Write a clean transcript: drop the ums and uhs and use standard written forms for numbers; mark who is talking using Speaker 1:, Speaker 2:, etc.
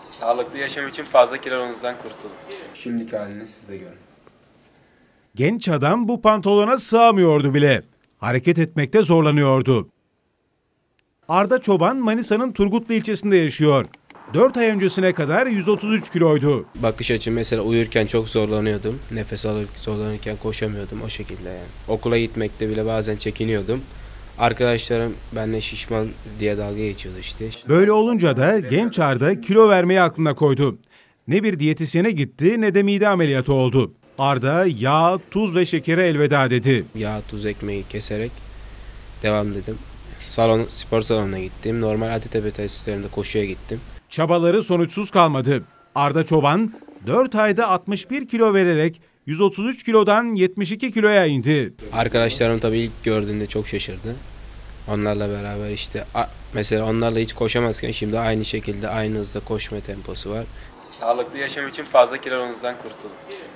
Speaker 1: Sağlıklı yaşam için fazla kilonuzdan kurtulun. Şimdiki halini siz de görün.
Speaker 2: Genç adam bu pantolona sığamıyordu bile. Hareket etmekte zorlanıyordu. Arda Çoban Manisa'nın Turgutlu ilçesinde yaşıyor. 4 ay öncesine kadar 133 kiloydu.
Speaker 3: Bakış açım mesela uyurken çok zorlanıyordum. Nefes zorlanırken koşamıyordum o şekilde yani. Okula gitmekte bile bazen çekiniyordum. Arkadaşlarım benimle şişman diye dalga geçiyordu işte.
Speaker 2: Böyle olunca da genç Arda kilo vermeyi aklına koydu. Ne bir diyetisyene gitti ne de mide ameliyatı oldu. Arda yağ, tuz ve şekere elveda dedi.
Speaker 3: Yağ, tuz, ekmeği keserek devam dedim. Spor salonuna gittim. Normal ATTP tesislerinde koşuya gittim.
Speaker 2: Çabaları sonuçsuz kalmadı. Arda Çoban 4 ayda 61 kilo vererek 133 kilodan 72 kiloya indi.
Speaker 3: Arkadaşlarım tabii ilk gördüğünde çok şaşırdı. Onlarla beraber işte mesela onlarla hiç koşamazken şimdi aynı şekilde aynı hızda koşma temposu var.
Speaker 1: Sağlıklı yaşam için fazla kilonuzdan kurtulun.